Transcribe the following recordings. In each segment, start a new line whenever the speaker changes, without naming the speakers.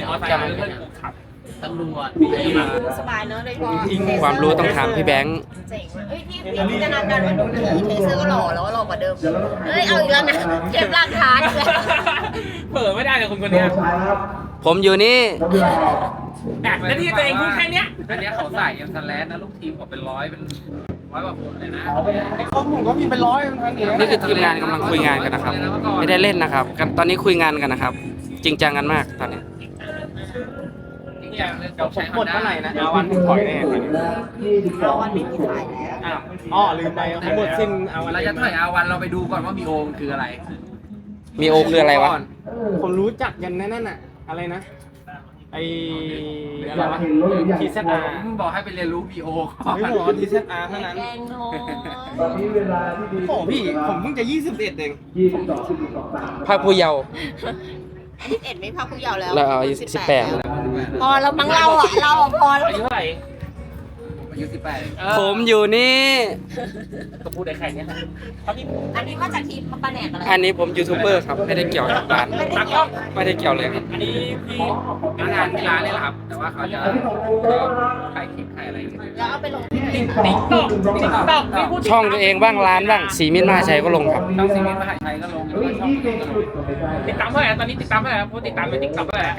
มอเตอร์ไซค์เพื่อนกูขับตำรวจ
สบายเนอะโดยเฉพาะ
ความรู้ต้องถามพี่แบงค์
เจ๋งว่ะเอ้ยพี่จินตนาการว่าหนูขี่เทเซอร์ก็หล่อแล้วก็หล่อกว่าเดิมเอ้ยเอาอีกแล้วนะเก็บหลักฐานเลย
เผลอไม่ได้เลยคนนี้
ผมอยู่นี่
แล้วที่ตัวเองพูดแค่เนี้ยอันนี้เขาใส่ยังสแลนนะลูกทีมผมเป็นร้อยกว่าคนเลยนะ
ผมก็มีเป็นร้อยทั้งนี้
นี่คือทีมงานกำลังคุยงานกันนะครับ ไม่ได้เล่นนะครับตอนนี้คุยงานกันนะครับ จริงจังกันมากตอนนี้
จริงจังเลย
ผมหมดเมื่อไหร่นะอาวันถอยแน่
เอาวันไม่มีขายแล้ว
อ๋อลืมไปเขาหมดสิ้นอาวัน
เราจะถอยอาวันเราไปดูก่อนว่ามีโอมคืออะไร
มีโอคืออะไรวะ
ผมรู้จักยันนั่นน่ะอะไรนะไออะไรวะทีเซอาร์
ผมบอกให้ไปเรียนรู้ BO ก่อน
ไม่บอกทีเซอาร์เท่านั้น
แกงน้อย
โอ้พี่ผมเพิ่งจะ21เอง
ภาคผู้เยาว์
21ไม่พักผู้เยาว์แล้ว
เราเอา18
พอแล้วมั้งเราอ่ะพอแล้ว
อายุเท่าไหร่อายุ18
ผมอยู่นี่
ก็พูดได้แค่นี้
อันนี้มาจากทีมปาแหนกอะไร
อันนี้ผมยูทูบเบอร์ครับไม่ได้เกี่ยวกับร้าน
ตักก็
ไม่ได้เกี่ยวเลยครับ
อันนี้พี่งานที่ร้านนี่แหละครับแต่ว่าเขาจะขายคลิปขายอะไร
แล้วเอาไปลงที่ไหน
ติ๊กต๊อกนี่พูด
ช่องตัวเองบ้างร้านบ้างสีมิตรมหาชัยก็ลงครับ
ช่องซีมิตรมหาชัยก็ลงแล้วก็ช่องก็ลงติดตามเท่าไหร่ตอนนี้ติดตามเท่าไหร่พูดติดตามเป็นติ๊กต๊อกเท่าไหร่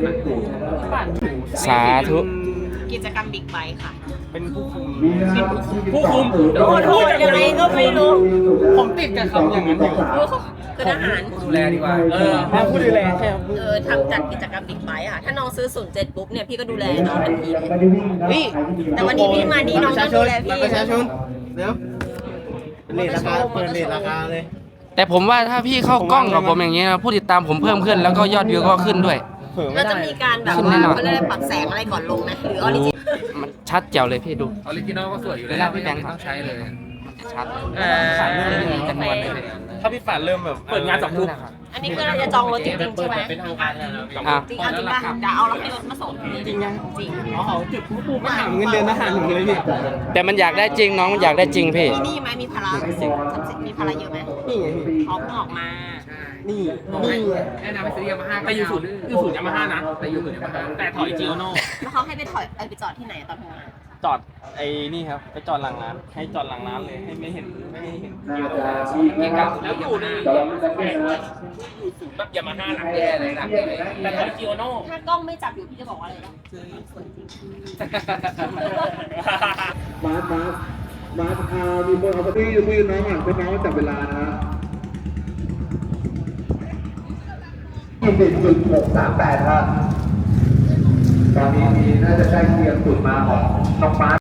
900,000
สาธุ
กิจกรรมบิ๊กไบค์ค่ะ
เป็นผู้คุม
ผู้คุม
พูดยังไงก็ไม่รู้
ผมติดกับคำอย่างนั้นอยู่
คือทหาร
ดูแลดีกว่า
ผู้ดูแลใช่ครับ
ทำจัดกิจกรรมบิ๊กไบค์อ่ะถ้าน้องซื้อ07ปุ๊บเนี่ยพี่ก็ดูแลน้องทันทีเลย
นี่
แต่วันนี้พี่มานี่น้องต้องดูแลพี่
ประชาชนเดี๋ยวเปิดเลทราคาเลย
แต่ผมว่าถ้าพี่เข้ากล้องกับผมอย่างนี้นะผู้ติดตามผมเพิ่มขึ้นแล้วก็ยอดวิวก็ขึ้นด้วย
เราจะมีการแบบว่าเขาเรียกอะไรปรับแสงอะไรก่อนลงไหมหรือออริจิน
มันชัดแจ๋วเลยพี่ดู
ออริจินอลก็สวยอยู่แล้วไม่ต้องใช้เลย
มันจะชัด
สายเรื่อง
ไม่มีจำนวนเลย
ถ้าพี่ฝันเริ่มแบบเปิดงาน2 ทุ่ม
อันนี้คือเราจะจองรถจริงๆใช่ไหม
เป็นทางการแล้ว
อ่ะ
จริงเอาจริงป่ะจะเอารถให้รถมาส่ง
จริงยัง
จริง
เขาจุดปุ๊บไม่ถามเงินเดือนทหารผมเลยพี่
แต่มันอยากได้จริงน้องมันอยากได้จริงพี่
มีหนี้ไหมมีภาระมีภาระเยอะไหม
นี่ไงพี่
ออกมา
นี่
แนะนำไปซื้อยามาฮ่าแต่อยู่ศูนย์ยามาฮ่านะแต่อยู่ศูนย์ยามาฮ่าแต่ถอยจิโอโน่
แล้วเขาให้ไปถอยไปจอดที่ไหนตอนทำงาน
จอดไอ้นี่ครับไปจอดหลังร้านให้จอดหลังร้านเลยให้ไม่เห็นเยอะ
เก่งกับแล้วอยู่ในอยู่ศูนย์แบบยามาฮ่าหลังแย่เลยหลังเลยแต่ถอยจิโอโน่
ถ้ากล้องไม่จับอยู่พี่จะบอกว่าอะไรบ้างสวยจริง
มามีคนเอาไปที่คุยน้องอ่ะเป็นน้องจับเวลานะฮะ20.638ครับตอนนี้น่าจะใกล้เคียงสุดมาของน้องมาร์ค